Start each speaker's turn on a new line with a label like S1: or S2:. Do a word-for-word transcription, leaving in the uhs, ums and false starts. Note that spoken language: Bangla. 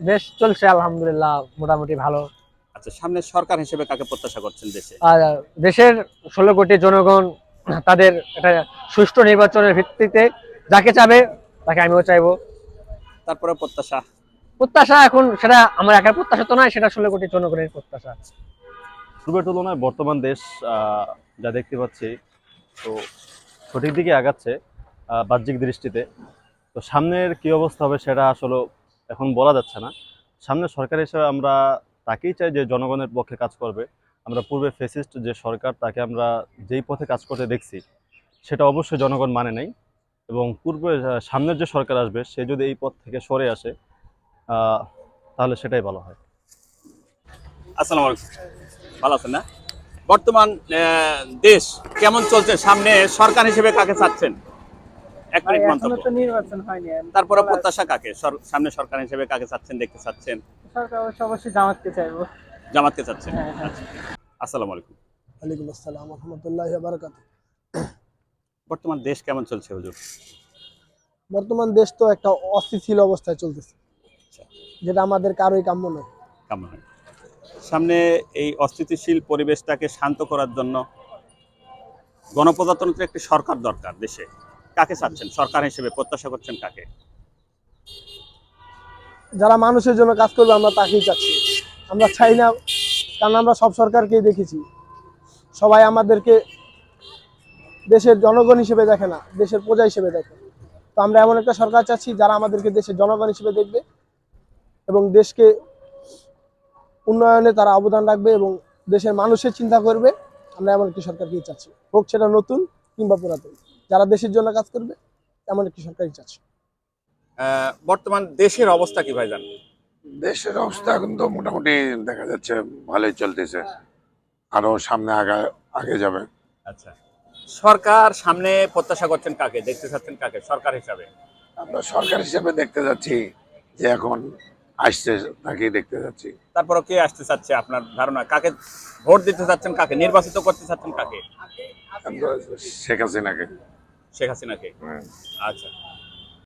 S1: দেশ চলছে আলহামদুলিল্লাহ মোটামুটি ভালো।
S2: আচ্ছা, সামনে সরকার হিসেবে কাকে প্রত্যাশা করছেন দেশে?
S1: আর দেশের ষোলো কোটি জনগণ তাদের একটা সুষ্ঠু নির্বাচনের ভিত্তিতে যাকে চাবে তাকে আমিও চাইবো।
S2: তারপরে প্রত্যাশা?
S1: প্রত্যাশা এখন সেটা আমার একার প্রত্যাশা তো নয়, সেটা ষোলো কোটি জনগণের প্রত্যাশা।
S3: পূর্বের তুলনায় বর্তমান দেশ আহ, যা দেখতে পাচ্ছি, তো সঠিক দিকে আগাচ্ছে আহ, বাহ্যিক দৃষ্টিতে। তো সামনের কি অবস্থা হবে সেটা আসলে এখন বলা যাচ্ছে না। সামনে সরকার হিসেবে আমরা তাকেই চাই যে জনগণের পক্ষে কাজ করবে। আমরা পূর্বে ফেসিস্ট যে সরকার তাকে আমরা যেই পথে কাজ করতে দেখছি সেটা অবশ্যই জনগণ মানে নাই। এবং পূর্বে আহ, সামনের যে সরকার আসবে সে যদি এই পথ থেকে সরে আসে আহ, তাহলে সেটাই ভালো হয়।
S2: আসসালামু আলাইকুম, ভালো আছেন না? বর্তমান আহ, দেশ কেমন চলছে, সামনে সরকার হিসেবে কাকে চাচ্ছেন? এক
S4: ভাই
S2: মিনিট
S4: এখনো
S2: মন্তব্য।
S4: তো নির্বাচন হয়নি।
S2: তারপরে
S4: বলা
S2: প্রত্যাশা কাকে সর- সামনে সরকার হিসেবে কাকে চাচ্ছেন, দেখতে চাচ্ছেন?
S4: সরকার অবশ্য অবশ্যই জামাতকে চাইবো।
S2: জামাতকে চাচ্ছেন?
S4: হ্যাঁ হ্যাঁ।
S2: আচ্ছা, আসসালামু আলাইকুম।
S5: ওয়ালাইকুম আসসালাম রহমতুল্লাহ বারাকাত।
S2: বর্তমান দেশ কেমন চলছে হুজুর?
S5: বর্তমান দেশ তো একটা অস্থিতিশীল অবস্থায় চলতেছে,
S2: আচ্ছা,
S5: যেটা আমাদের কারোই কাম্য নয়।
S2: কেমন হয়? সামনে এই অস্থিতিশীল পরিবেশটাকে শান্ত করার জন্য গণপ্রজাতন্ত্রের একটি সরকার দরকার দেশে। কাকে চাচ্ছেন সরকার হিসেবে, প্রত্যাশা করছেন কাকে?
S5: যারা মানুষের জন্য কাজ করবে আমরা তাকেই চাচ্ছি। আমরা চাই না, কারণ আমরা সব সরকারকেই দেখেছি, সবাই আমাদেরকে দেশের জনগণ হিসেবে দেখে না, দেশের প্রজা হিসেবে দেখে। তো আমরা এমন একটা সরকার চাচ্ছি যারা আমাদেরকে দেশের জনগণ হিসেবে দেখবে এবং দেশকে উন্নয়নে তারা অবদান রাখবে এবং দেশের মানুষের চিন্তা করবে। আমরা এমন একটি সরকারকেই চাচ্ছি, হোক সেটা নতুন কিংবা পুরাতন, যারা দেশের জন্য কাজ করবে এমন একটি সরকারই চাচ্ছি।
S2: আহ, বর্তমান দেশের অবস্থা কি ভাইজান?
S6: দেশের অবস্থা এখন তো মোটামুটি দেখা যাচ্ছে ভালোই চলতেছে, আরো সামনে আগা আগে যাবে।
S2: আচ্ছা, সরকার সামনে প্রত্যাশা করছেন কাকে, দেখতে চাচ্ছেন কাকে সরকার হিসাবে?
S6: আমরা সরকার হিসেবে দেখতে যাচ্ছি যে এখন আসছে তাকেই দেখতে যাচ্ছি।
S2: তারপরে কে আসতে চাচ্ছে আপনার ধারণা? কাকে ভোট দিতে চাচ্ছেন, কাকে নির্বাচিত করতে চাচ্ছেন কাকে?
S6: আমরা শেখ হাসিনাকে।
S2: শেখ হাসিনাকে।
S6: হ্যাঁ।
S2: আচ্ছা,